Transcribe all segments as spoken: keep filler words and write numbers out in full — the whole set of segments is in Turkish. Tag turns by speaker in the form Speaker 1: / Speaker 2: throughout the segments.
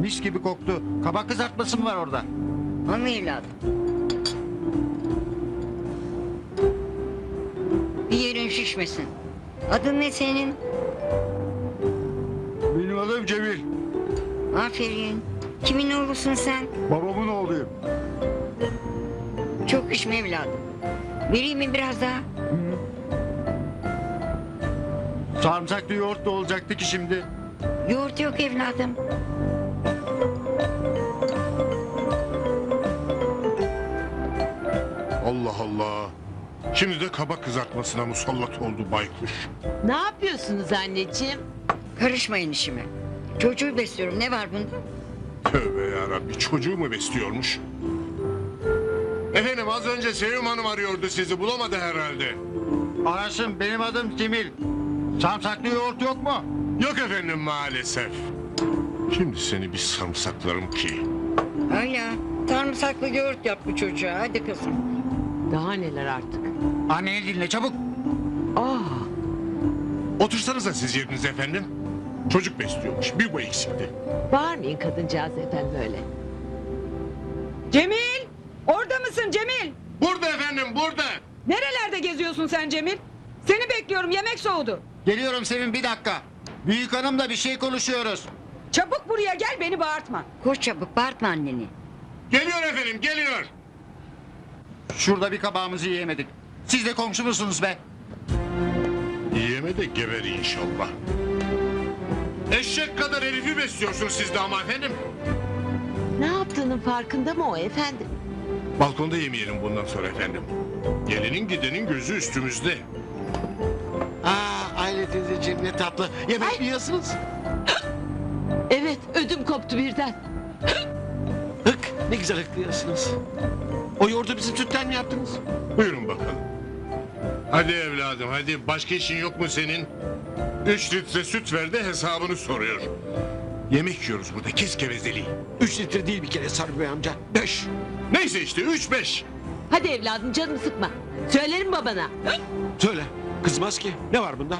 Speaker 1: Mis gibi koktu. Kabak kızartması mı var orada?
Speaker 2: Ama evladım. Bir yerin şişmesin. Adın ne senin?
Speaker 1: Benim adım Cemil.
Speaker 2: Aferin. Kimin oğlusun sen?
Speaker 1: Babamın oğluyum.
Speaker 2: Çok içme evladım. Vereyim mi biraz daha?
Speaker 1: Sarımsaklı yoğurt da olacaktı ki şimdi.
Speaker 2: Yoğurt yok evladım.
Speaker 3: Allah Allah. Şimdi de kabak kızartmasına musallat oldu baykuş.
Speaker 4: Ne yapıyorsunuz anneciğim?
Speaker 2: Karışmayın işime. Çocuğu besliyorum. Ne var bunda?
Speaker 3: Tövbe yarabbi, çocuğu mu besliyormuş? Efendim az önce Sevim Hanım arıyordu, sizi bulamadı herhalde.
Speaker 1: Arasın, benim adım Cemil. Sarımsaklı yoğurt yok mu?
Speaker 3: Yok efendim maalesef. Şimdi seni bir sarımsaklarım ki.
Speaker 2: Hala sarımsaklı yoğurt yap bu çocuğa. Hadi kızım.
Speaker 4: Daha neler artık?
Speaker 1: Anneni dinle çabuk.
Speaker 4: Ah,
Speaker 3: Otursanıza siz yerinize efendim. Çocuk besliyormuş, bir bu eksikti.
Speaker 4: bağırmayın kadıncağız efendim öyle.
Speaker 5: Cemil! Orada mısın Cemil?
Speaker 3: Burada efendim, burada.
Speaker 5: Nerelerde geziyorsun sen Cemil? Seni bekliyorum, yemek soğudu.
Speaker 1: Geliyorum Sevim, bir dakika. Büyük hanımla bir şey konuşuyoruz.
Speaker 5: Çabuk buraya gel, beni bağırtma.
Speaker 2: Koş çabuk. Bağırtma anneni.
Speaker 3: Geliyor efendim, geliyor.
Speaker 1: Şurada bir kabağımızı yiyemedik. Siz de komşu musunuz be?
Speaker 3: Yiyeme de geber inşallah. Eşek kadar herifi besliyorsun siz de ama efendim.
Speaker 4: Ne yaptığının farkında mı o efendim?
Speaker 3: Balkonda yemeyelim bundan sonra efendim. Gelinin gidenin gözü üstümüzde.
Speaker 6: Aa, Aile teyzeciğim ne tatlı. Yemek mi yiyorsunuz?
Speaker 4: Evet, ödüm koptu birden.
Speaker 6: Hık, ne güzel hıklıyorsunuz. O yoğurdu bizim sütten mi yaptınız?
Speaker 3: Buyurun bakalım. Hadi evladım hadi, başka işin yok mu senin? Üç litre süt ver de hesabını soruyor. Yemek yiyoruz burada, kes gevezeliği.
Speaker 6: Üç litre değil bir kere Sarı Bey amca. Beş.
Speaker 3: Neyse işte üç beş.
Speaker 4: Hadi evladım canımı sıkma. Söylerim babana.
Speaker 6: Söyle. Kızmaz ki. Ne var bunda?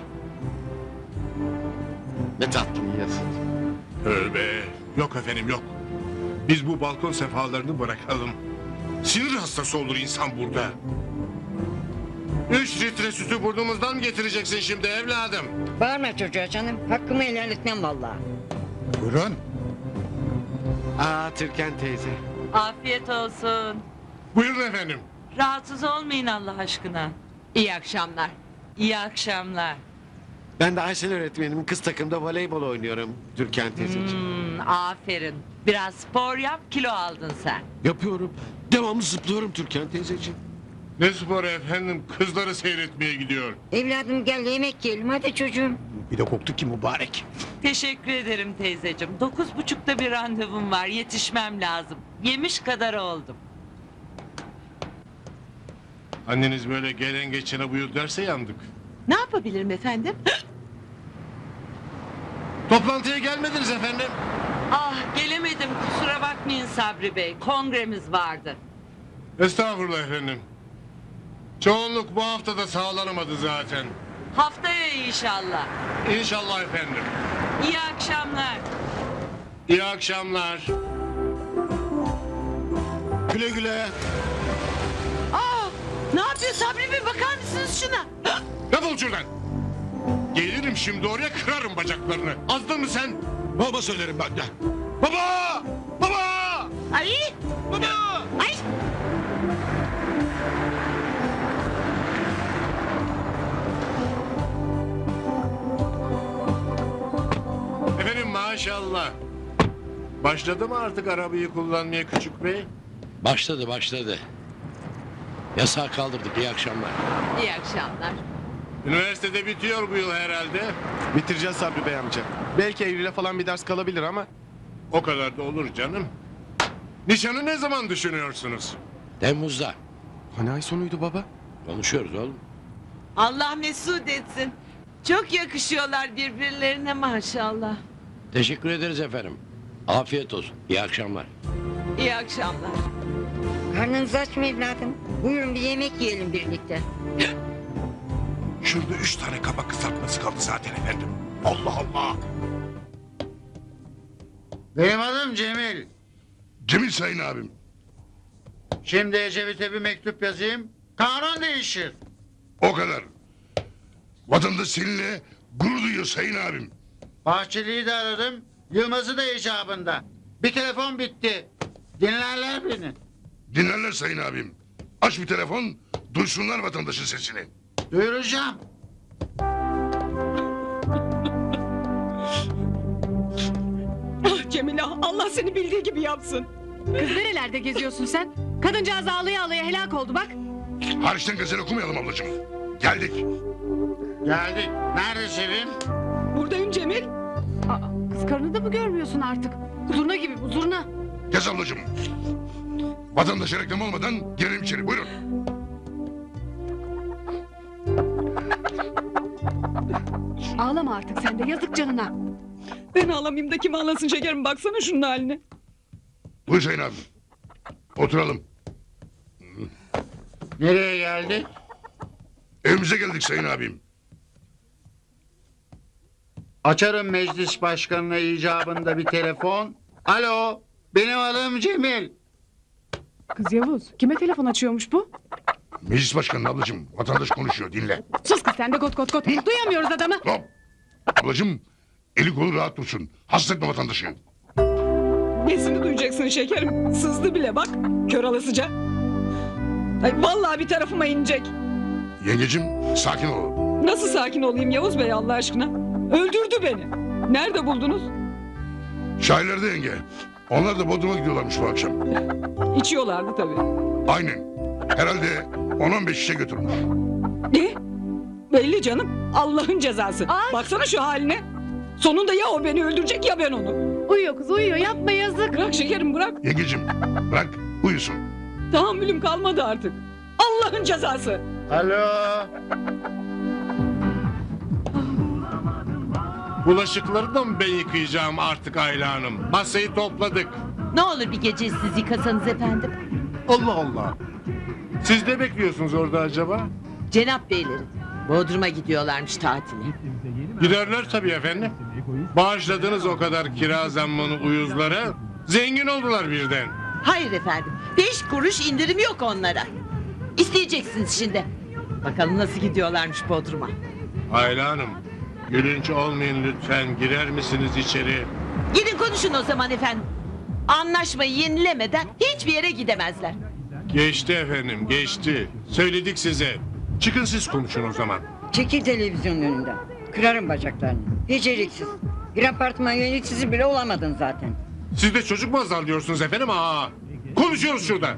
Speaker 6: Ne tatlı yiyorsun.
Speaker 3: Tövbe. Yok efendim yok. Biz bu balkon sefalarını bırakalım. Sinir hastası olur insan burada. Üç litre sütü burnumuzdan mı getireceksin şimdi evladım?
Speaker 2: Bağırma çocuğa canım. Hakkımı helal etmem vallahi.
Speaker 1: Buyurun.
Speaker 6: Aa, Türkan teyze.
Speaker 7: Afiyet olsun.
Speaker 3: Buyurun efendim.
Speaker 7: Rahatsız olmayın Allah aşkına.
Speaker 4: İyi akşamlar.
Speaker 7: İyi akşamlar.
Speaker 6: Ben de Aysel öğretmenimin kız takımda voleybol oynuyorum Türkan teyzeciğim.
Speaker 7: Hmm, aferin. Biraz spor yap, kilo aldın sen.
Speaker 6: Yapıyorum. Devamlı zıplıyorum Türkan teyzeciğim.
Speaker 3: Ne spor efendim, kızları seyretmeye gidiyor.
Speaker 2: Evladım gel yemek yiyelim. Hadi çocuğum.
Speaker 6: Bir de koktu ki mübarek.
Speaker 7: Teşekkür ederim teyzeciğim. Dokuz buçukta bir randevum var, yetişmem lazım. Yemiş kadar oldum.
Speaker 3: Anneniz böyle gelen geçene buyur derse yandık.
Speaker 4: Ne yapabilirim efendim?
Speaker 3: Toplantıya gelmediniz efendim.
Speaker 7: Ah gelemedim, kusura bakmayın Sabri Bey. Kongremiz vardı.
Speaker 3: Estağfurullah efendim. Çoğunluk bu hafta da sağlanamadı zaten.
Speaker 7: Haftaya inşallah.
Speaker 3: İnşallah efendim.
Speaker 7: İyi akşamlar.
Speaker 3: İyi akşamlar.
Speaker 6: Güle güle.
Speaker 4: Aa, ne yapıyor Sabri Bey, bakar mısınız şuna?
Speaker 3: Defol şuradan. Gelirim şimdi oraya, kırarım bacaklarını. Azdın mı sen?
Speaker 6: Baba söylerim ben de. Baba! Baba!
Speaker 4: Ay,
Speaker 6: Baba!
Speaker 4: ay.
Speaker 3: Efendim maşallah. Başladı mı artık arabayı kullanmaya küçük bey?
Speaker 8: Başladı başladı. Yasağı kaldırdık, iyi akşamlar.
Speaker 4: İyi akşamlar.
Speaker 3: Üniversitede bitiyor bu yıl herhalde.
Speaker 9: Bitireceğiz Sabri Bey amca. Belki Eylül'e falan bir ders kalabilir ama...
Speaker 3: O kadar da olur canım. Nişanı ne zaman düşünüyorsunuz?
Speaker 8: Temmuz'da.
Speaker 9: Hani ay sonuydu baba?
Speaker 8: Konuşuyoruz oğlum.
Speaker 4: Allah mesut etsin. Çok yakışıyorlar birbirlerine maşallah.
Speaker 8: Teşekkür ederiz efendim. Afiyet olsun, iyi akşamlar.
Speaker 4: İyi akşamlar.
Speaker 2: Karnınız aç mı evladım? Buyurun bir yemek yiyelim birlikte.
Speaker 3: Şurada üç tane kabak kızartması kaldı zaten efendim. Allah Allah.
Speaker 1: Benim adım Cemil.
Speaker 3: Cemil sayın abim.
Speaker 1: Şimdi Ecevit'e bir mektup yazayım. Kanun değişir.
Speaker 3: O kadar. Vatandaş seninle gurur duyuyor sayın abim.
Speaker 1: Bahçeli'yi de aradım. Yılmaz'ı da icabında. Bir telefon bitti. Dinlerler beni.
Speaker 3: Dinlerler sayın abim. Aç bir telefon, duysunlar vatandaşın sesini.
Speaker 1: Duyuracağım.
Speaker 5: Ah Cemile, Allah seni bildiği gibi yapsın.
Speaker 4: Kız nerelerde geziyorsun sen? Kadıncağız ağlaya ağlaya helak oldu bak.
Speaker 3: Hariçten gazel okumayalım ablacığım. Geldik.
Speaker 1: Geldik. Nerede Şirin?
Speaker 5: Buradayım Cemil.
Speaker 4: Aa, kız karını da mı görmüyorsun artık? Zurna gibi bu zurna.
Speaker 3: Gez ablacığım. Vatandaşa reklam olmadan girelim içeri. Buyurun.
Speaker 4: Ağlama artık sen de yazık canına.
Speaker 5: Ben ağlamayayım da kim ağlasın şekerim, baksana şunun haline.
Speaker 3: Buyur sayın abim. Oturalım.
Speaker 1: Nereye geldik?
Speaker 3: Evimize geldik sayın abim.
Speaker 1: Açarım meclis başkanına icabında bir telefon. Alo, benim adım Cemil.
Speaker 4: Kız Yavuz kime telefon açıyormuş bu?
Speaker 3: Meclis başkanı ablacığım. Vatandaş konuşuyor, dinle.
Speaker 4: Sus kız sen de kot kot kot. Duyamıyoruz adamı.
Speaker 3: Hop. Ablacığım, eli kolu rahat dursun. Hasta etme vatandaşı.
Speaker 5: Nesini duyacaksın şekerim? Sızdı bile bak, kör alasıca. Ay vallahi bir tarafıma inecek.
Speaker 3: Yengecim, sakin ol.
Speaker 5: Nasıl sakin olayım Yavuz Bey Allah aşkına? Öldürdü beni. Nerede buldunuz?
Speaker 3: Şairlerde yenge. Onlar da Bodrum'a gidiyorlarmış bu akşam.
Speaker 5: İçiyorlardı tabii.
Speaker 3: Aynen. Herhalde on on beş şişe götürmüş.
Speaker 5: Ne? Belli canım. Allah'ın cezası.
Speaker 4: Ay.
Speaker 5: Baksana şu haline. Sonunda ya o beni öldürecek ya ben onu.
Speaker 4: Uyuyor kız uyuyor yapma yazık.
Speaker 5: Bırak şekerim bırak.
Speaker 3: Yengecim, bırak uyusun.
Speaker 5: Tahammülüm kalmadı artık. Allah'ın cezası.
Speaker 1: Alo.
Speaker 3: Bulaşıkları da mı ben yıkayacağım artık Ayla Hanım? Masayı topladık.
Speaker 7: Ne olur bir gece siz yıkasanız efendim.
Speaker 3: Allah Allah. Siz ne bekliyorsunuz orada acaba?
Speaker 7: Cenap beyleri. Bodrum'a gidiyorlarmış tatile.
Speaker 3: Giderler tabii efendim. Bağışladınız o kadar kira zammını uyuzlara. Zengin oldular birden.
Speaker 7: Hayır efendim. Beş kuruş indirim yok onlara. İsteyeceksiniz şimdi. Bakalım nasıl gidiyorlarmış Bodrum'a.
Speaker 3: Ayla Hanım, gülünç olmayın lütfen. Girer misiniz içeri?
Speaker 7: Gidin konuşun o zaman efendim. Anlaşmayı yenilemeden hiçbir yere gidemezler.
Speaker 3: Geçti efendim, geçti. Söyledik size. Çıkın siz konuşun o zaman.
Speaker 2: Çekil televizyonun önünden. Kırarım bacaklarını. Beceriksiz. Bir apartman yöneticisi bile olamadın zaten.
Speaker 3: Siz de çocuk mu azarlıyorsunuz efendim? Aa, konuşuyoruz şurada.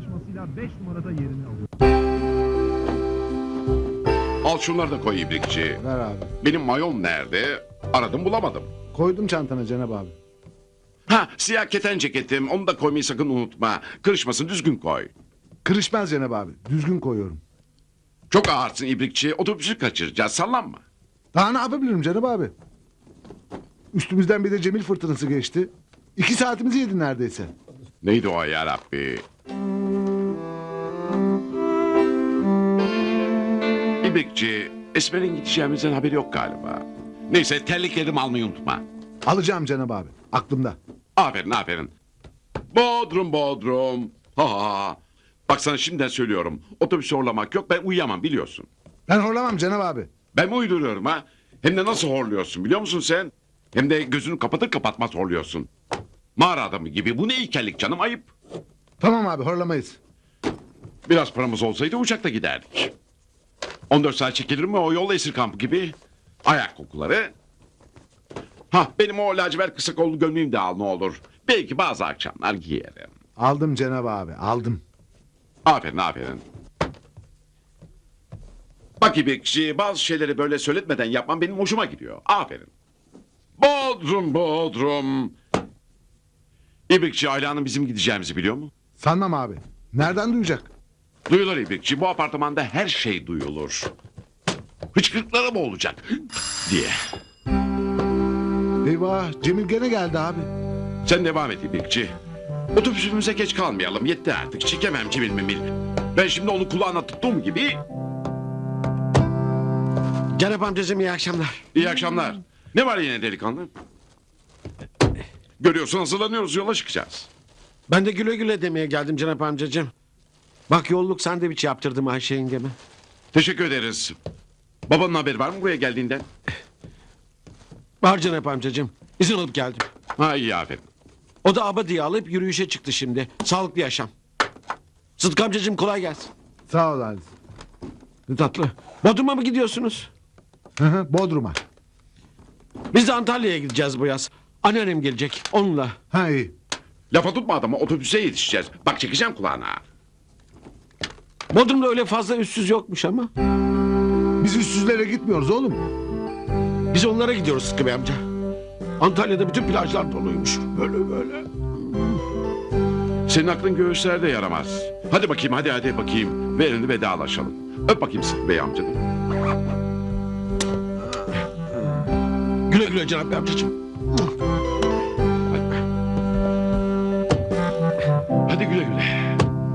Speaker 10: Al şunları da koy ibrikçi.
Speaker 9: Ver abi.
Speaker 10: Benim mayon nerede? Aradım bulamadım.
Speaker 9: Koydum çantana Cenab abi.
Speaker 10: Ha, siyah keten ceketim. Onu da koymayı sakın unutma. Kırışmasın, düzgün koy.
Speaker 9: Kırışmaz Cenab abi. Düzgün koyuyorum.
Speaker 10: Çok ağırsın ibrikçi. Otobüsü kaçıracağız. Sallanma.
Speaker 9: Daha ne yapabilirim Cenab abi? Üstümüzden bir de Cemil fırtınası geçti. İki saatimizi yedi neredeyse.
Speaker 10: Neydi o ya Rabbi? İbrikçi, Esmer'in gideceğimizden haberi yok galiba. Neyse terliklerimi almayı unutma.
Speaker 9: Alacağım Cenab abi. Aklımda.
Speaker 10: Aferin aferin. Bodrum Bodrum. Ha ha ha. Bak sana şimdiden söylüyorum. Otobüsü horlamak yok, ben uyuyamam biliyorsun.
Speaker 9: Ben horlamam Cenab abi.
Speaker 10: Ben mi uyduruyorum ha? Hem de nasıl horluyorsun biliyor musun sen? Hem de gözünü kapatır kapatmaz horluyorsun. Mağara adamı gibi. Bu ne ilkellik canım, ayıp.
Speaker 9: Tamam abi horlamayız.
Speaker 10: Biraz paramız olsaydı uçakta giderdik. on dört saat çekilir mi o yol, esir kampı gibi? Ayak kokuları. Ha, benim o lacivert kısa kollu gömleğimi de al ne olur. Belki bazı akşamlar giyerim.
Speaker 9: Aldım Cenab abi aldım.
Speaker 10: Aferin aferin. Bak İbrikçi, bazı şeyleri böyle söyletmeden yapman benim hoşuma gidiyor. Aferin. Bodrum Bodrum. İbrikçi, Ayla'nın bizim gideceğimizi biliyor mu?
Speaker 9: Sanmam abi. Nereden duyacak?
Speaker 10: Duyulur İbrikçi, bu apartmanda her şey duyulur. Hıçkırıklara mı olacak diye.
Speaker 9: Eyvah Cemil gene geldi abi.
Speaker 10: Sen devam et İbrikçi. Otobüsümüze geç kalmayalım, yetti artık. Çekemem Cemil Memil. Ben şimdi onu kulağına tuttuğum gibi...
Speaker 6: Cenap amcacığım iyi akşamlar.
Speaker 10: İyi akşamlar. Ne var yine delikanlı? Görüyorsun hazırlanıyoruz yola çıkacağız.
Speaker 6: Ben de güle güle demeye geldim Cenap amcacığım. Bak yolluk sandviç yaptırdım Ayşe yengeme.
Speaker 10: Teşekkür ederiz. Babanın haberi var mı buraya geldiğinden?
Speaker 6: Var Cenap amcacığım. İzin alıp geldim.
Speaker 10: Ha iyi aferin.
Speaker 6: O da abadiye alıp yürüyüşe çıktı şimdi. Sağlıklı yaşam. Sıtkı amcacığım kolay gelsin.
Speaker 9: Sağ ol Halis.
Speaker 6: Ne tatlı. Bodrum'a mı gidiyorsunuz?
Speaker 9: Hı hı, Bodrum'a.
Speaker 6: Biz de Antalya'ya gideceğiz bu yaz. Anneannem gelecek onunla.
Speaker 9: Ha iyi.
Speaker 10: Lafa tutma adamı otobüse yetişeceğiz. Bak çekeceğim kulağına.
Speaker 6: Bodrum'da öyle fazla üstsüz yokmuş ama.
Speaker 9: Biz üstsüzlere gitmiyoruz oğlum.
Speaker 6: Biz onlara gidiyoruz Sıtkı Bey amca. Antalya'da bütün plajlar doluymuş. Böyle böyle.
Speaker 10: Senin aklın göğüslerde yaramaz. Hadi bakayım hadi hadi bakayım. Verin vedalaşalım. Öp bakayım Sıtkı Bey amcanım.
Speaker 6: Güle güle Cenap Bey amcacığım.
Speaker 10: Hadi güle güle.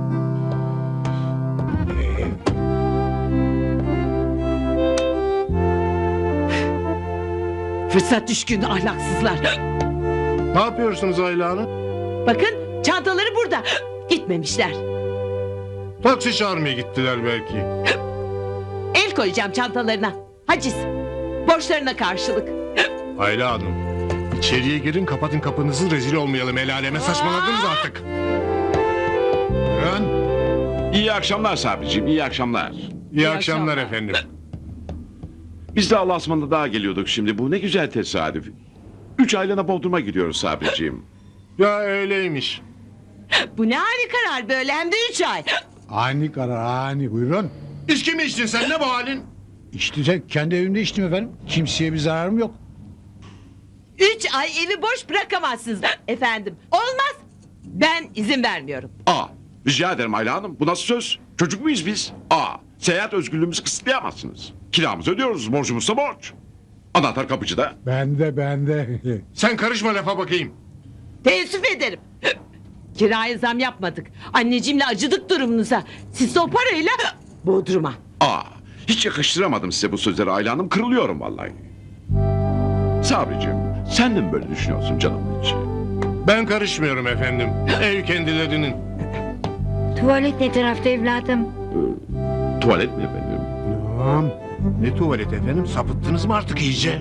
Speaker 7: Fırsat düşkün ahlaksızlar.
Speaker 3: Ne yapıyorsunuz Ayla Hanım?
Speaker 7: Bakın çantaları burada. Gitmemişler.
Speaker 3: Taksi çağırmaya gittiler belki.
Speaker 7: El koyacağım çantalarına. Haciz. Borçlarına karşılık.
Speaker 3: Ayla Hanım, içeriye girin kapatın kapınızı rezil olmayalım. El aleme saçmaladınız artık. Buyurun.
Speaker 10: İyi akşamlar Sabriciğim iyi akşamlar.
Speaker 3: İyi akşamlar efendim.
Speaker 10: Biz de Allah'a ısmarladık daha geliyorduk şimdi. Bu ne güzel tesadüf. Üç aylığına Bodrum'a gidiyoruz Sabriciğim.
Speaker 3: Ya öyleymiş.
Speaker 7: Bu ne hali karar böyle hem de üç ay.
Speaker 11: Ani karar ani buyurun.
Speaker 3: İçki mi içtin sen ne bu halin?
Speaker 11: İçti kendi evimde içtim efendim. Kimseye bir zararım yok.
Speaker 7: Üç ay evi boş bırakamazsınız efendim. Olmaz. Ben izin vermiyorum.
Speaker 10: Aa rica ederim Ayla Hanım. Bu nasıl söz? Çocuk muyuz biz? Aa seyahat özgürlüğümüzü kısıtlayamazsınız. Kiramızı ödüyoruz. Borcumuzsa borç. Anahtar kapıcıda.
Speaker 11: Bende bende.
Speaker 3: Sen karışma lafa bakayım.
Speaker 7: Teessüf ederim. Kiraya zam yapmadık. Anneciğimle acıdık durumunuza. Siz de o parayla Bodrum'a.
Speaker 10: Aa hiç yakıştıramadım size bu sözleri Ayla Hanım. Kırılıyorum vallahi. Sabriciğim sen de mi böyle düşünüyorsun canımın içi?
Speaker 3: Ben karışmıyorum efendim. Ev kendilerinin.
Speaker 2: Tuvalet ne tarafta evladım?
Speaker 10: Ee, tuvalet mi efendim?
Speaker 11: Tamam.
Speaker 3: Ne tuvalet efendim? Sapıttınız mı artık iyice?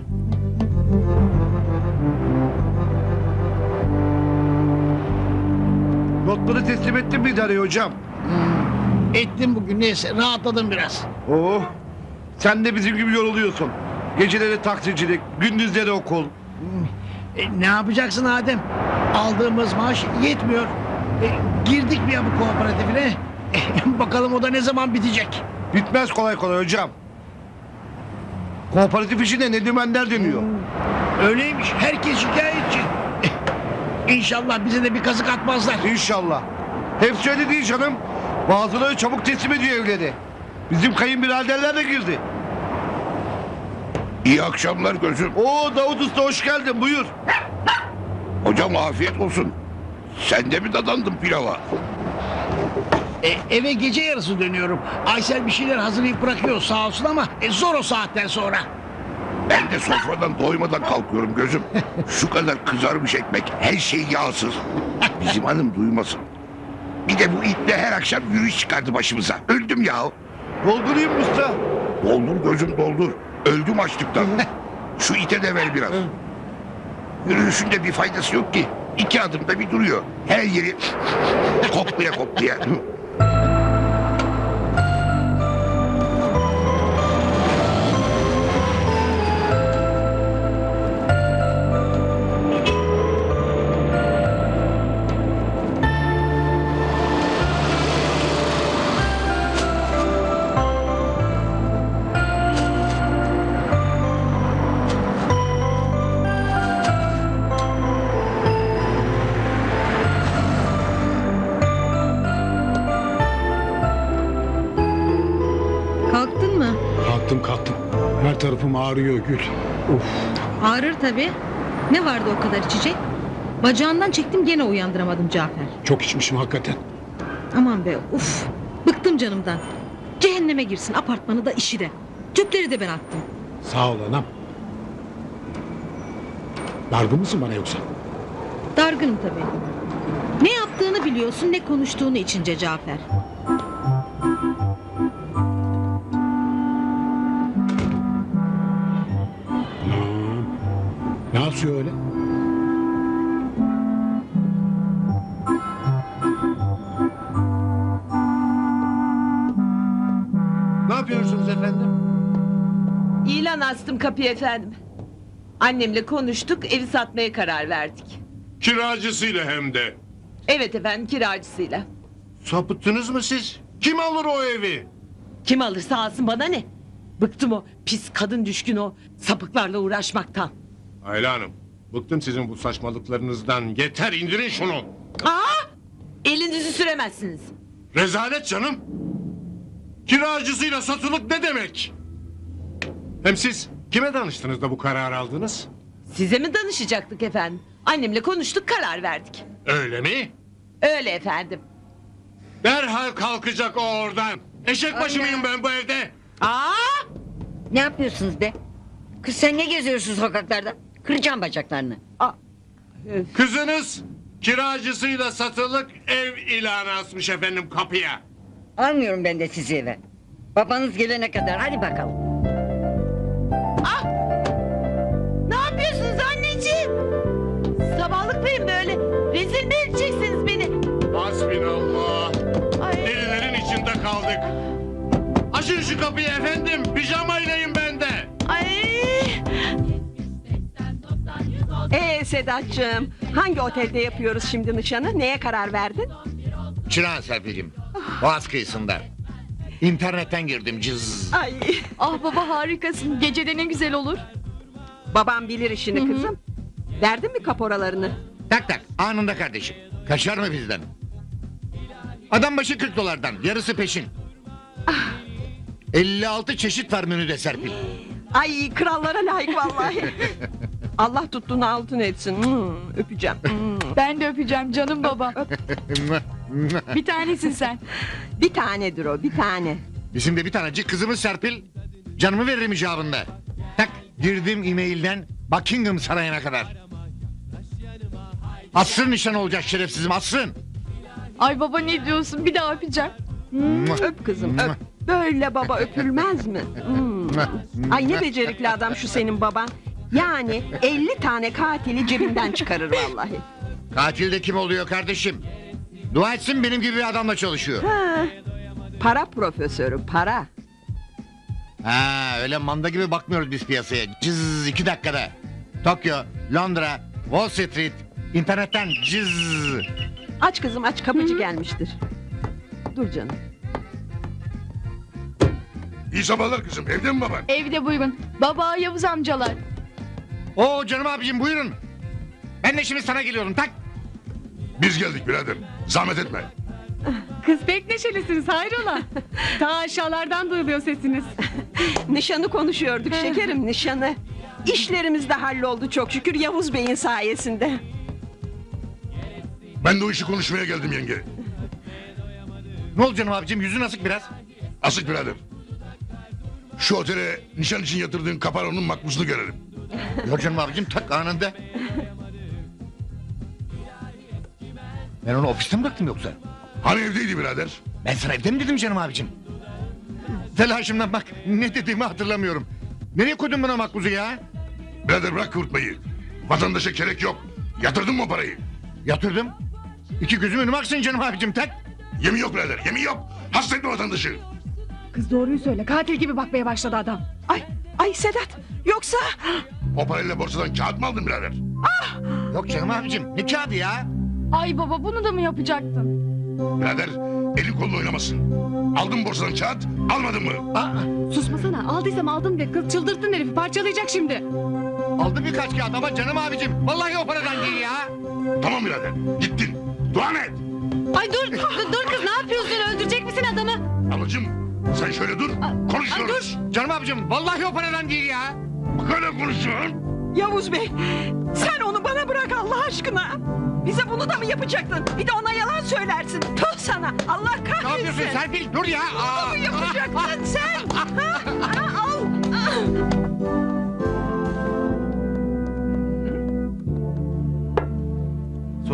Speaker 9: Notları teslim ettin mi idareye hocam?
Speaker 11: Ettim bugün neyse rahatladım biraz.
Speaker 9: Oh. Sen de bizim gibi yoruluyorsun. Geceleri taksicilik, gündüzleri okul.
Speaker 11: E, ne yapacaksın Adem? Aldığımız maaş yetmiyor. E, girdik mi ya bu kooperatifine? E, bakalım o da ne zaman bitecek?
Speaker 9: Bitmez kolay kolay hocam. Kooperatif işinde ne dümenler dönüyor.
Speaker 11: Öyleymiş herkes şikayetçi. E, İnşallah bize de bir kazık atmazlar.
Speaker 9: İnşallah. Hepsi öyle değil canım. Bazıları çabuk teslim ediyor evleri. Bizim kayınbiraderler de girdi.
Speaker 12: İyi akşamlar gözüm.
Speaker 9: Oo Davut Usta hoş geldin buyur.
Speaker 12: Hocam afiyet olsun. Sen de mi dadandın pilava?
Speaker 11: E, eve gece yarısı dönüyorum. Aysel bir şeyler hazırlayıp bırakıyor sağ olsun ama e, zor o saatten sonra.
Speaker 12: Ben de sofradan doymadan kalkıyorum gözüm. Şu kadar kızarmış ekmek, her şey yağsız. Bizim hanım duymasın. Bir de bu itle her akşam yürüyüş çıkardı başımıza. Öldüm ya.
Speaker 9: Doldurayım mı usta?
Speaker 12: Doldur gözüm doldur. Öldüm açlıktan. Şu ite de ver biraz. Yürüyüşünde bir faydası yok ki. İki adımda bir duruyor. Her yeri koklaya koklaya.
Speaker 5: Kalktın mı?
Speaker 11: Kalktım kalktım. Her tarafım ağrıyor Gül. Of.
Speaker 5: Ağrır tabii. Ne vardı o kadar içecek? Bacağından çektim gene uyandıramadım Cafer.
Speaker 11: Çok içmişim hakikaten.
Speaker 5: Aman be uf. Bıktım canımdan. Cehenneme girsin apartmanı da işi de. Tüpleri de ben attım.
Speaker 11: Sağ ol anam. Dargın mısın bana yoksa?
Speaker 7: Dargınım tabii. Ne yaptığını biliyorsun, ne konuştuğunu içince Cafer.
Speaker 9: Ne yapıyor öyle?
Speaker 3: Ne yapıyorsunuz efendim?
Speaker 7: İlan astım kapıya efendim. Annemle konuştuk, evi satmaya karar verdik.
Speaker 3: Kiracısıyla hem de.
Speaker 7: Evet efendim, kiracısıyla.
Speaker 3: Sapıttınız mı siz? Kim alır o evi?
Speaker 7: Kim alırsa alsın, bana ne? Bıktım o pis kadın düşkün o sapıklarla uğraşmaktan.
Speaker 3: Ayla Hanım, bıktım sizin bu saçmalıklarınızdan. Yeter, indirin şunu.
Speaker 7: Aa! Elinizi süremezsiniz.
Speaker 3: Rezalet canım. Kiracısıyla satılık ne demek? Hem siz kime danıştınız da bu kararı aldınız?
Speaker 7: Size mi danışacaktık efendim? Annemle konuştuk, karar verdik.
Speaker 3: Öyle mi?
Speaker 7: Öyle efendim.
Speaker 3: Derhal kalkacak o oradan. Eşek başı
Speaker 2: Anne.
Speaker 3: mıyım ben bu evde?
Speaker 7: Aa!
Speaker 2: Ne yapıyorsunuz be? Kız sen ne geziyorsun sokaklarda? Kıracağım bacaklarını.
Speaker 3: Kızınız kiracısıyla satılık ev ilanı asmış efendim kapıya.
Speaker 2: Almıyorum ben de sizi eve. Babanız gelene kadar hadi bakalım.
Speaker 7: Ah! Ne yapıyorsunuz anneciğim? Sabahlıklayın böyle. Rezil mi edeceksiniz beni?
Speaker 3: Hasbinallah.
Speaker 7: Ay.
Speaker 3: Delilerin içinde kaldık. Açın şu kapıyı efendim. Pijamayleyim ben de.
Speaker 7: Ay!
Speaker 13: Ee Sedat'cığım, hangi otelde yapıyoruz şimdi nişanı? Neye karar verdin?
Speaker 1: Çırağan Serpil'cim. Boğaz kıyısında. İnternetten girdim cız.
Speaker 13: Ay,
Speaker 5: Ah baba harikasın. Gecede ne güzel olur.
Speaker 13: babam bilir işini kızım. Verdin mi kaporalarını?
Speaker 1: Tak tak anında kardeşim. Kaçar mı bizden? Adam başı kırk dolardan yarısı peşin. elli altı çeşit var menüde Serpil.
Speaker 13: Ay, krallara layık vallahi. Allah tuttuğunu altın etsin. Hmm, öpeceğim. Hmm.
Speaker 5: Ben de öpeceğim canım baba. Bir tanesin sen.
Speaker 13: Bir tanedir o, bir tane.
Speaker 1: Bizim de bir tanecik kızımız Serpil. Canımı veririm icabında. Tak girdim e-mailden Buckingham Sarayı'na kadar. Asrın nişan olacak şerefsizim asrın.
Speaker 5: Ay baba ne diyorsun? Bir daha öpeceğim.
Speaker 13: Öp kızım, öp. Böyle baba öpülmez mi? Hmm. Ay ne becerikli adam şu senin baban. Yani elli tane katili cebinden çıkarır vallahi.
Speaker 1: Katil de kim oluyor kardeşim? Dua etsin benim gibi bir adamla çalışıyor.
Speaker 13: Ha, para profesörü, para.
Speaker 1: Ha öyle manda gibi bakmıyoruz biz piyasaya. Cız iki dakikada. Tokyo, Londra, Wall Street, internetten cız.
Speaker 13: Aç kızım aç, kapıcı gelmiştir. Dur canım.
Speaker 12: İyi sabahlar kızım. Evde mi baban?
Speaker 5: Evde buyurun. Baba Yavuz amcalar.
Speaker 1: Oo canım abicim buyurun. Ben de şimdi sana geliyorum tak.
Speaker 12: Biz geldik birader. Zahmet etme.
Speaker 5: Kız pek neşelisiniz hayrola. Ta aşağılardan duyuluyor sesiniz.
Speaker 13: Nişanı konuşuyorduk şekerim, nişanı. İşlerimiz de halloldu çok şükür Yavuz Bey'in sayesinde.
Speaker 12: Ben de o işi konuşmaya geldim yenge.
Speaker 1: Ne oldu canım abicim yüzün asık biraz.
Speaker 12: Asık birader. Şu otele nişan için yatırdığın kaparonun makbuzunu görelim.
Speaker 1: Yok canım abicim tak anında. Ben onu ofiste mi bıraktım yoksa?
Speaker 12: Hani evdeydi birader?
Speaker 1: Ben sana evde mi dedim canım abicim? Telaşımdan bak ne dediğimi hatırlamıyorum. Nereye koydun bana makbuzu ya?
Speaker 12: Birader bırak kıvırtmayı. Vatandaşa gerek yok. Yatırdın mı o parayı?
Speaker 1: Yatırdım. İki gözüm önüme aksın canım abicim tak.
Speaker 12: Yemin yok birader, yemin yok. Hasta etme vatandaşı.
Speaker 5: Kız doğruyu söyle. Katil gibi bakmaya başladı adam.
Speaker 13: Ay, ay Sedat, yoksa...
Speaker 12: O parayla borsadan kağıt mı aldın birader?
Speaker 1: Yok canım abicim ne kağıdı ya?
Speaker 5: Ay baba bunu da mı yapacaktın?
Speaker 12: Birader elin kolunu oynamasın. Aldın borsadan kağıt, almadın mı?
Speaker 1: Aa,
Speaker 5: Susmasana. Aldıysam aldım de. Kız çıldırttın herifi. Parçalayacak şimdi.
Speaker 1: aldım birkaç kağıt ama canım abicim. Vallahi o paradan değil ya.
Speaker 12: Tamam birader, gittin. Dua et.
Speaker 5: Ay dur. dur, dur kız ne yapıyorsun? Öldürecek misin adamı?
Speaker 12: Ablacığım sen şöyle dur, konuşuyoruz.
Speaker 1: Canım abicim vallahi o paradan değil ya.
Speaker 12: Bak öyle konuşuyorsun.
Speaker 13: Yavuz Bey, sen onu bana bırak Allah aşkına. Bize bunu da mı yapacaktın? Bir de ona yalan söylersin. Tuh sana, Allah kahretsin.
Speaker 1: Ne yapıyorsun Serpil dur ya.
Speaker 13: Bunu mu yapacaktın sen? Ha? Ha, al.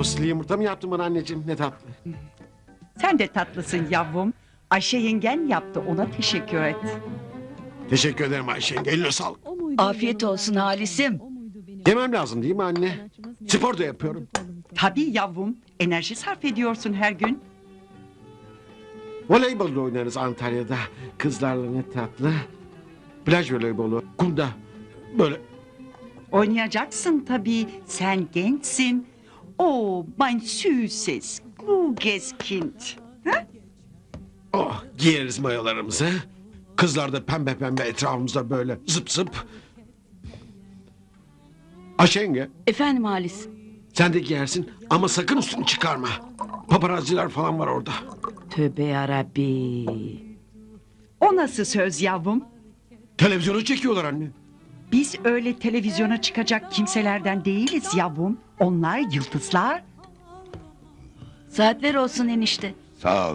Speaker 6: Sosisli yumurta mı yaptın bana anneciğim? Ne tatlı.
Speaker 7: Sen de tatlısın yavrum. Ayşe yengen yaptı, ona teşekkür et.
Speaker 6: Teşekkür ederim Ayşe yenge. Eline sağlık.
Speaker 4: Afiyet olsun Halis'im.
Speaker 6: Yemem lazım değil mi anne? Spor da yapıyorum.
Speaker 7: Tabii yavrum, enerji sarf ediyorsun her gün.
Speaker 6: Voleybol da oynarız Antalya'da. Kızlarla ne tatlı. Plaj voleybolu, kumda. Böyle.
Speaker 7: Oynayacaksın tabii, sen gençsin. Oh, mein süßes, kluges Kind. Ha?
Speaker 6: Oh, giyeriz mayolarımızı. Kızlar da pembe pembe etrafımızda böyle zıp zıp. Ayşe yenge,
Speaker 4: Efendim Halis.
Speaker 6: sen de giyersin ama sakın üstünü çıkarma. Paparazziler falan var orada.
Speaker 4: Tövbe yarabbi.
Speaker 7: O nasıl söz yavrum?
Speaker 6: Televizyona çekiyorlar anne.
Speaker 7: Biz öyle televizyona çıkacak kimselerden değiliz yavrum. Onlar yıldızlar.
Speaker 4: Saatler olsun enişte.
Speaker 12: Sağ ol.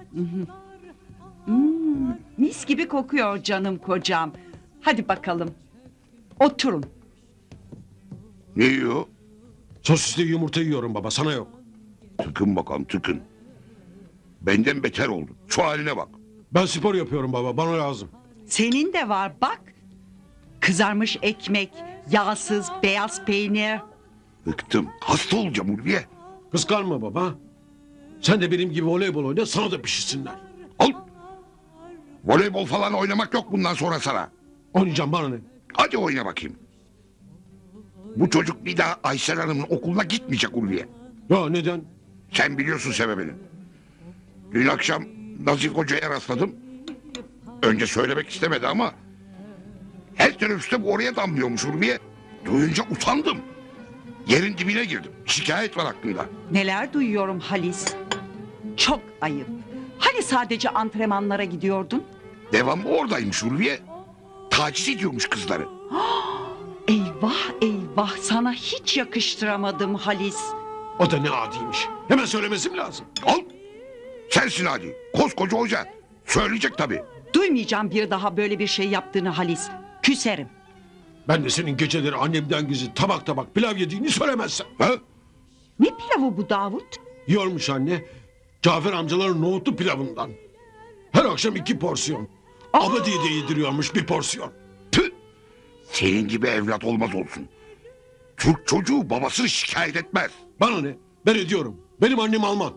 Speaker 7: Hmm, mis gibi kokuyor canım kocam. Hadi bakalım. Oturun.
Speaker 12: Ne yiyor?
Speaker 6: Sosisli yumurta yiyorum baba, sana yok.
Speaker 12: Tıkın bakalım tıkın. Benden beter oldu. Şu haline bak.
Speaker 6: Ben spor yapıyorum baba, bana lazım.
Speaker 7: Senin de var bak. Kızarmış ekmek, yağsız beyaz peynir.
Speaker 12: Bıktım. Hasta olacağım Ulviye.
Speaker 6: Kıskanma baba. Sen de benim gibi voleybol oyna, sana da pişirsinler.
Speaker 12: Al. Voleybol falan oynamak yok bundan sonra sana.
Speaker 6: Oynayacağım, bana ne?
Speaker 12: Hadi oyna bakayım. Bu çocuk bir daha Aysel Hanım'ın okuluna gitmeyecek Ulviye.
Speaker 6: Ya neden?
Speaker 12: Sen biliyorsun sebebini. Dün akşam Nazif Hoca'ya rastladım. Önce söylemek istemedi ama... her teneffüste bu oraya damlıyormuş Ulviye. Duyunca utandım. Yerin dibine girdim. Şikayet var aklımda.
Speaker 7: Neler duyuyorum Halis. Çok ayıp. Hani sadece antrenmanlara gidiyordun?
Speaker 12: Devamlı oradaymış Ulviye. Taciz ediyormuş kızları.
Speaker 7: Eyvah eyvah, sana hiç yakıştıramadım Halis.
Speaker 6: O da ne adiymiş. Hemen söylemesi mi lazım?
Speaker 12: Al. Sensin hadi. Koskoca hoca. Söyleyecek tabii.
Speaker 7: Duymayacağım bir daha böyle bir şey yaptığını Halis. Küserim.
Speaker 6: Ben de senin geceleri annemden gizli tabak tabak pilav yediğini söylemezsem.
Speaker 12: Ha?
Speaker 7: Ne pilavı bu Davut?
Speaker 6: Yiyormuş anne. Cafer amcaların nohutlu pilavından. Her akşam iki porsiyon. Abadiye de yediriyormuş bir porsiyon.
Speaker 12: Tüh. Senin gibi evlat olmaz olsun. Türk çocuğu babasını şikayet etmez.
Speaker 6: Bana ne? Ben ediyorum. Benim annem Alman.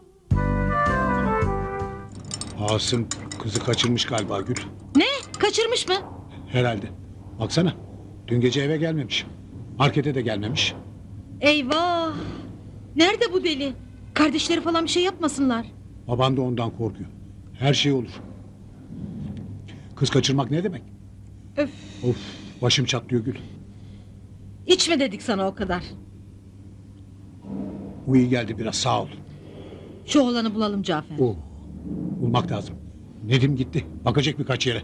Speaker 9: Asım kızı kaçırmış galiba Gül.
Speaker 4: Ne? Kaçırmış mı?
Speaker 9: Herhalde. Baksana. Dün gece eve gelmemiş. Markete de gelmemiş.
Speaker 4: Eyvah. Nerede bu deli? Kardeşleri falan bir şey yapmasınlar.
Speaker 9: Baban da ondan korkuyor. Her şey olur. Kız kaçırmak ne demek?
Speaker 4: Öf.
Speaker 9: Of, başım çatlıyor Gül.
Speaker 4: İçme dedik sana o kadar.
Speaker 9: Bu iyi geldi biraz, sağ ol.
Speaker 4: Şu oğlanı bulalım Cafer.
Speaker 9: Oh, bulmak lazım. Nedim gitti. Bakacak birkaç yere.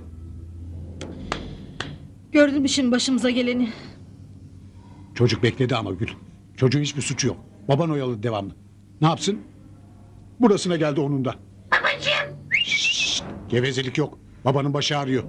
Speaker 4: Gördün mü şimdi başımıza geleni?
Speaker 9: Çocuk bekledi ama Gül. Çocuğun hiçbir suçu yok. Baban oyalı devamlı. Ne yapsın? Burasına geldi onun da. Babacığım. Şşş, gevezelik yok. Babanın başı ağrıyor.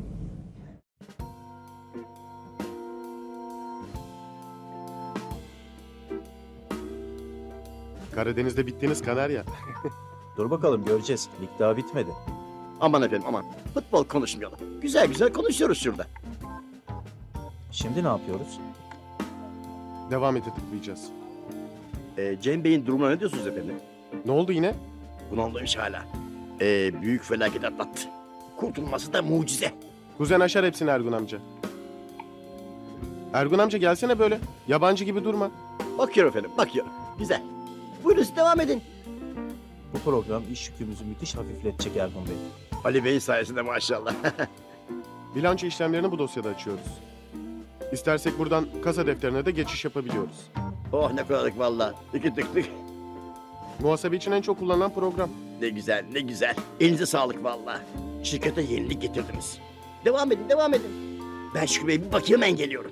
Speaker 14: Karadeniz'de bittiğiniz Kanarya.
Speaker 15: Dur bakalım göreceğiz. Lig daha bitmedi.
Speaker 16: Aman efendim aman. Futbol konuşmayalım. Güzel güzel konuşuyoruz şurada.
Speaker 15: Şimdi ne yapıyoruz?
Speaker 14: Devam ete tıklayacağız.
Speaker 16: Ee, Cem Bey'in durumuna ne diyorsunuz efendim?
Speaker 14: Ne oldu yine?
Speaker 16: Bunalmış hala. Ee, büyük felaket atlattı. Kurtulması da mucize.
Speaker 14: Kuzen aşar hepsini Ergun amca. Ergun amca gelsene böyle. Yabancı gibi durma.
Speaker 16: Bakıyorum efendim bakıyorum. Güzel. Buyurun siz devam edin.
Speaker 15: Bu program iş yükümüzü müthiş hafifletecek Ergun Bey.
Speaker 16: Ali Bey sayesinde maşallah.
Speaker 14: Bilanço işlemlerini bu dosyada açıyoruz. İstersek buradan kasa defterine de geçiş yapabiliyoruz.
Speaker 16: Oh ne kolaylık valla. Tıkı tık tık.
Speaker 14: Muhasebe için en çok kullanılan program.
Speaker 16: Ne güzel ne güzel. Elinize sağlık valla. Şirkete yenilik getirdiniz. Devam edin devam edin. Ben Şükrü Bey'e bir bakayım hemen geliyorum.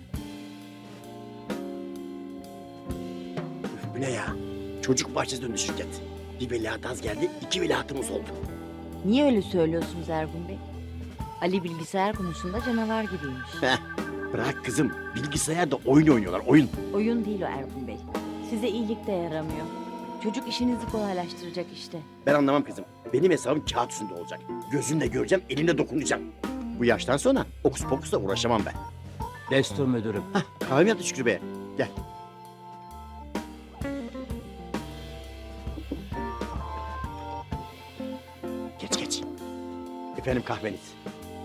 Speaker 16: Üf, bu ne ya? Çocuk bahçesi döndü şirket. Bir veliaht az geldi, iki veliahtımız oldu.
Speaker 17: Niye öyle söylüyorsunuz Ergun Bey? Ali bilgisayar konusunda canavar gibiymiş.
Speaker 16: Heh, bırak kızım. Bilgisayarda oyun oynuyorlar, oyun.
Speaker 17: Oyun değil o Ergun Bey. Size iyilik de yaramıyor. Çocuk işinizi kolaylaştıracak işte.
Speaker 16: Ben anlamam kızım. Benim hesabım kağıt üstünde olacak. Gözümle göreceğim, elimle dokunacağım. Bu yaştan sonra okus pokusla uğraşamam ben.
Speaker 15: Destur müdürüm.
Speaker 16: Hah, kahve mi yaptı Şükrü Bey'e? Gel. Geç geç. Efendim kahveniz.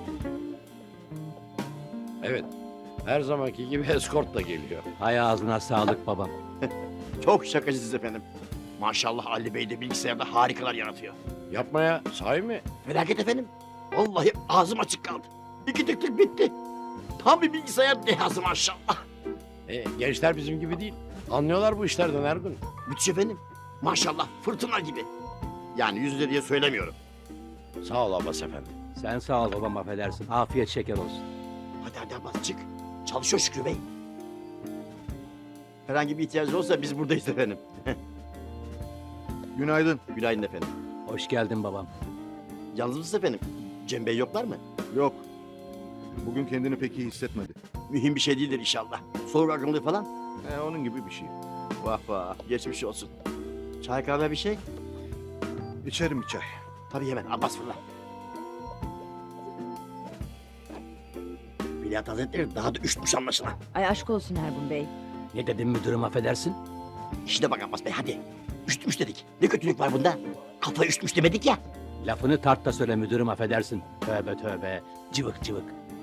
Speaker 8: Evet. Her zamanki gibi eskortla geliyor.
Speaker 15: Hay ağzına sağlık babam.
Speaker 16: Çok şakacısınız efendim. Maşallah Ali Bey de bilgisayarda harikalar yaratıyor.
Speaker 8: Yapma ya. Sahi mi?
Speaker 16: Felaket efendim. Vallahi ağzım açık kaldı. İki tık tık bitti. Tam bir bilgisayar dehası maşallah.
Speaker 8: E, gençler bizim gibi değil. Anlıyorlar bu işlerden Ergun.
Speaker 16: Müthiş efendim. Maşallah fırtına gibi. Yani yüz yüze diye söylemiyorum.
Speaker 8: Sağ ol Abbas efendi.
Speaker 15: Sen sağ ol babam, affedersin. Afiyet şeker olsun.
Speaker 16: Hadi hadi Abbas çık. Çalışıyor Şükrü Bey. Herhangi bir ihtiyacınız olsa biz buradayız efendim.
Speaker 18: Günaydın.
Speaker 16: Günaydın efendim.
Speaker 15: Hoş geldin babam.
Speaker 16: Yalnız mısınız efendim? Cem Bey yoklar mı?
Speaker 18: Yok. Bugün kendini pek iyi hissetmedi.
Speaker 16: Mühim bir şey değildir inşallah. Soğuk akımlı falan.
Speaker 18: He, onun gibi bir şey.
Speaker 16: Vah vah geçmiş olsun. Çay kahve bir şey?
Speaker 18: İçerim bir çay.
Speaker 16: Tabii hemen Abbas fırla. Veliaht Hazretleri daha da üşütmüş anlaşılan.
Speaker 17: Ay aşk olsun Ergun Bey.
Speaker 15: Ne dedim müdürüm, affedersin?
Speaker 16: İşine bak Abbas Bey hadi. Üşütmüş dedik. Ne kötülük var bunda? Kafa üşütmüş demedik ya.
Speaker 15: Lafını tart da söyle müdürüm, affedersin. Tövbe tövbe. Cıvık cıvık.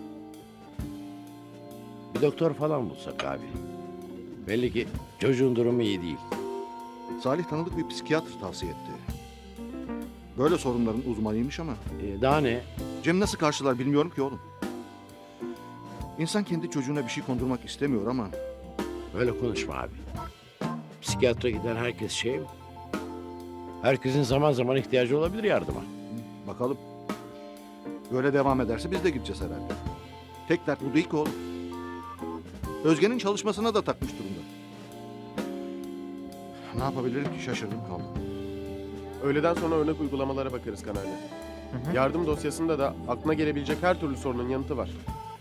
Speaker 8: Bir doktor falan bulsak abi. Belli ki çocuğun durumu iyi değil.
Speaker 18: Salih tanıdık bir psikiyatr tavsiye etti. Böyle sorunların uzmanıymış ama.
Speaker 8: E, daha ne?
Speaker 18: Cem nasıl karşılar bilmiyorum ki oğlum. İnsan kendi çocuğuna bir şey kondurmak istemiyor ama.
Speaker 8: Böyle konuşma abi. Psikiyatra giden herkes şey mi? Herkesin zaman zaman ihtiyacı olabilir yardıma.
Speaker 18: Bakalım. Böyle devam ederse biz de gideceğiz herhalde. Tek dert bu değil ki oğlum. Özge'nin çalışmasına da takmış durumda. Ne yapabilirim ki, şaşırdım kaldım.
Speaker 14: Öğleden sonra örnek uygulamalara bakarız kanalde. Yardım dosyasında da aklına gelebilecek her türlü sorunun yanıtı var.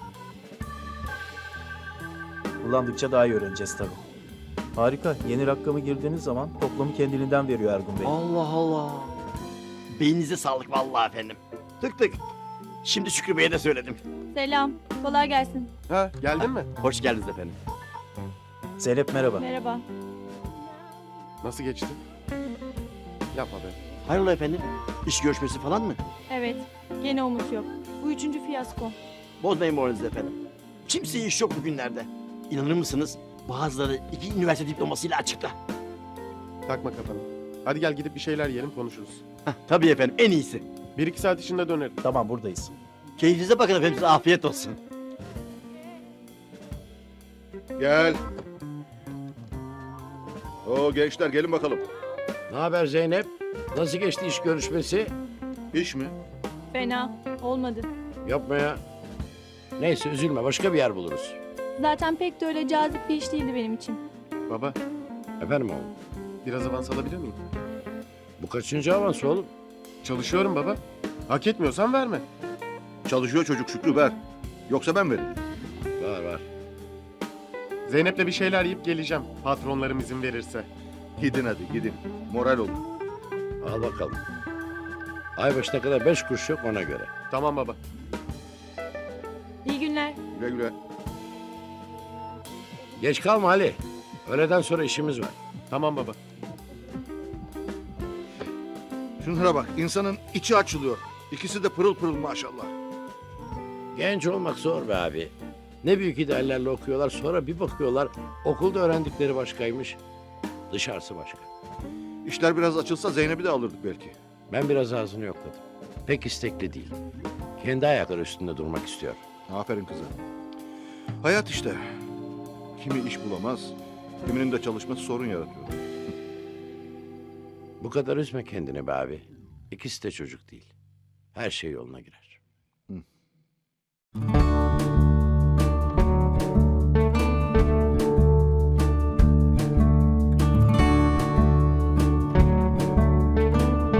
Speaker 15: Kullandıkça daha iyi öğreneceğiz tabii. Harika. Yeni rakamı girdiğiniz zaman toplamı kendiliğinden veriyor Ergun Bey.
Speaker 16: Allah Allah. Beyninize sağlık vallahi efendim. Tık tık. Şimdi Şükrü Bey'e de söyledim.
Speaker 19: Selam. Kolay gelsin.
Speaker 14: Ha, geldin mi?
Speaker 16: Hoş geldiniz efendim.
Speaker 15: Zeynep merhaba.
Speaker 19: Merhaba.
Speaker 14: Nasıl geçti? Yapma be.
Speaker 16: Hayrola efendim? İş görüşmesi falan mı?
Speaker 19: Evet. Gene umut yok. Bu üçüncü fiyasko.
Speaker 16: Bozmayın moralinizi efendim. Kimseye iş yok bugünlerde. İnanır mısınız? Bazıları iki üniversite diplomasıyla açıkta.
Speaker 14: Takma kafanı. Hadi gel gidip bir şeyler yiyelim konuşuruz.
Speaker 16: Heh, tabii efendim en iyisi.
Speaker 14: Bir iki saat içinde dönerim.
Speaker 15: Tamam buradayız.
Speaker 16: Keyfinize bakın efendim, size afiyet olsun.
Speaker 18: Gel. Oo gençler gelin bakalım.
Speaker 8: Ne haber Zeynep? Nasıl geçti iş görüşmesi?
Speaker 18: İş mi?
Speaker 19: Fena. Olmadı.
Speaker 8: Yapma ya. Neyse üzülme başka bir yer buluruz.
Speaker 19: Zaten pek de öyle cazip bir iş değildi benim için.
Speaker 14: Baba,
Speaker 8: Efendim oğlum?
Speaker 14: biraz avans alabilir miyim?
Speaker 8: Bu kaçıncı avans oğlum?
Speaker 14: Çalışıyorum baba. Hak etmiyorsan verme.
Speaker 18: Çalışıyor çocuk, Şükrü, ver. Yoksa ben veririm.
Speaker 8: Var var.
Speaker 14: Zeynep'le bir şeyler yiyip geleceğim. Patronlarım izin verirse.
Speaker 18: Gidin hadi gidin. Moral olun.
Speaker 8: Al bakalım. Ay başına kadar beş kuruş yok ona göre.
Speaker 14: Tamam baba.
Speaker 19: İyi günler.
Speaker 18: Güle güle.
Speaker 8: Geç kalma Ali. Öğleden sonra işimiz var.
Speaker 14: Tamam baba.
Speaker 18: Şunlara bak, insanın içi açılıyor. İkisi de pırıl pırıl maşallah.
Speaker 8: Genç olmak zor be abi. Ne büyük ideallerle okuyorlar sonra bir bakıyorlar okulda öğrendikleri başkaymış. Dışarısı başka.
Speaker 18: İşler biraz açılsa Zeynep'i de alırdık belki.
Speaker 8: Ben biraz ağzını yokladım. Pek istekli değil. Kendi ayakları üstünde durmak istiyor.
Speaker 18: Aferin kızım. Hayat işte. Kimi iş bulamaz, kiminin de çalışması sorun yaratıyor.
Speaker 8: Bu kadar üzme kendini be abi. İkisi de çocuk değil. Her şey yoluna girer.